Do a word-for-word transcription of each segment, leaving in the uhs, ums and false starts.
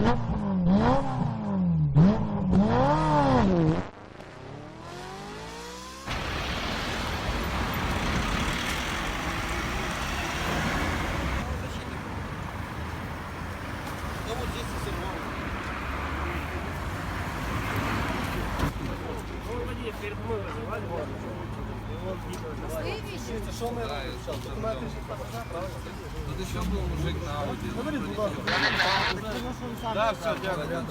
Перед мной вызывали, вот. Це що ми зараз? Документи ж так, правильно? Тут еще был мужик на Ауди. Говори, будь ласка. Да, все, дякую.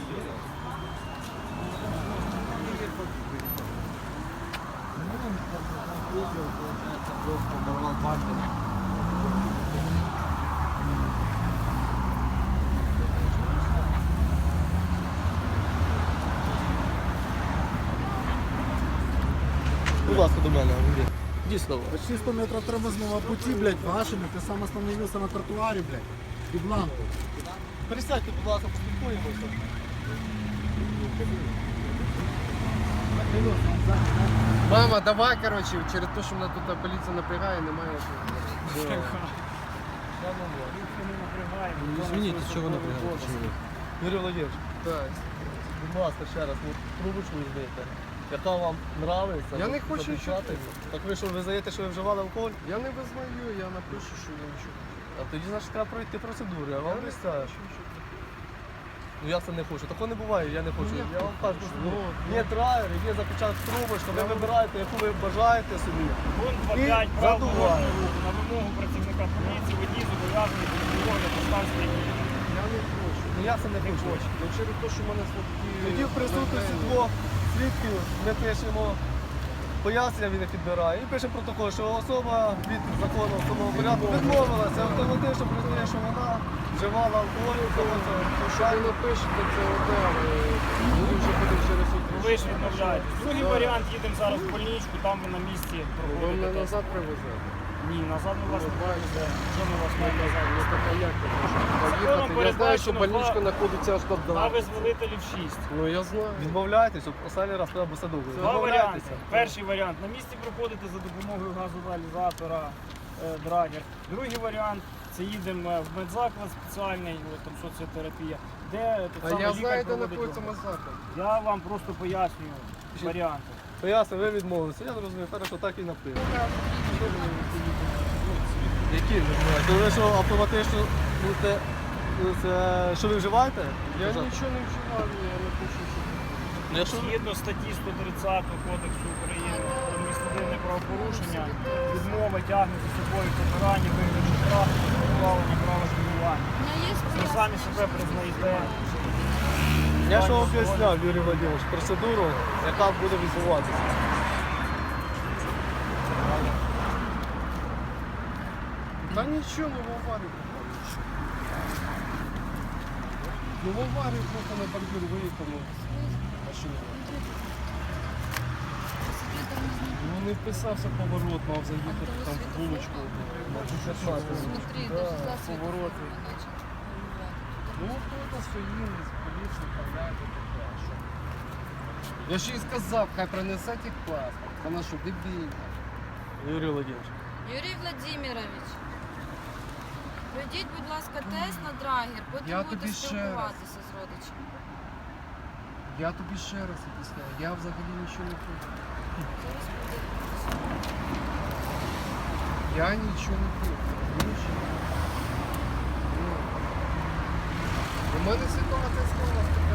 Будь ласка, до мене, Андрій. Дійсно. Почти сто метров тормозного пути, блядь, вашими, ты сам остановился на тротуаре, блядь, и бланку. Пересядьте, будь ласка, поспілкуємося. Мама, давай, короче, через те, що мене тут поліція напрягає, немає. Извините, чого ви напрягаєте? Юрій Володимирович, Так. будь ласка, ще раз, ну, трубочку візьмете. Яка вам нравиться? Я не хочу записати. нічого. Так ви що, визнаєте, що ви вживали алкоголь? Я не визнаю, я напишу, що я нічого. А тоді, значить, треба пройти процедуру, я вам обіцяю. Ну я це не хочу. Такого не буває, я не хочу. Ну, Я вам кажу, хочу. що Ну, є драйвер, є запечаток трубочка, ви вибираєте, яку ви бажаєте собі. Пункт І два п'ять прав дорожнього задуває. руху. На вимогу працівника поліції водій зобов'язаний підготувати поставські дії. Я не хочу. Ну я це не хочу. Ну через те, що в мене слабкі... Тоді в присутності двох свідків ми пишемо пояснення, він їх підбирає. І пишемо протокол, що особа від закону встановленого порядку відмовилася автоматично признає, що вона вживала алкоголь. Що ви напишете, це оте, ми вже будемо через суд. Ви ж відмовляєтесь. Другий варіант, їдемо зараз в больничку, там ви на місці Ви мене проходите тест. назад привезете. Ні, назад ми вас не повеземо. Що ми вас маємо назад? Ну так а як я можу поїхати? Я знаю, що передбачено больничка два- знаходиться аж На туди. визволителів шість. Ну я знаю. Відмовляєтесь, останній раз треба все довго. Два варіанти. Перший варіант. На місці проходите за допомогою газоаналізатора е, драгер. Другий варіант це їдемо в медзаклад спеціальний, от, там соціотерапія, де тут А саме я лікар знаю, де проводить знаходиться огляд. Мазака. Я вам просто пояснюю варіанти. Поясню, ви відмовилися. Я зрозумів, хорошо, так і написано. Які відмовляєте? То ви що автоматично будете, це, що ви вживаєте? Я нічого не вживав, я не хочу, щоб... Якщо ви- Згідно статті сто тридцять Кодексу України про адміністративне правопорушення, відмова тягне за собою покарання, вигляду штрафу, позбавлення права керування. Ви самі себе признаєте. Я ж вам об'ясняв, Юрій Володимирович, процедуру, яка буде відбуватися. Та нічого, ну в аварію попав, нічого. Ну в аварію просто на бордюр виїхав, ну, машина. Ну не вписався поворот, мав заїхати там в булочку. Смотри, даже за повороти. Ну хто стоїть, поліцію вправляєте таке, а що? Я ще й сказав, хай принесе техпаспорт, вона що, дебільна. Юрій Володимирович. Юрій Владимирович, пройдіть, будь ласка, тест на драгер, потім Я будете тобі ще раз. спілкуватися з родичами. Я тобі ще раз об'ясняю, я взагалі нічого не хочу. Зараз буде. Я нічого не хочу, розумієш? Ну, у мене ситуація склалася.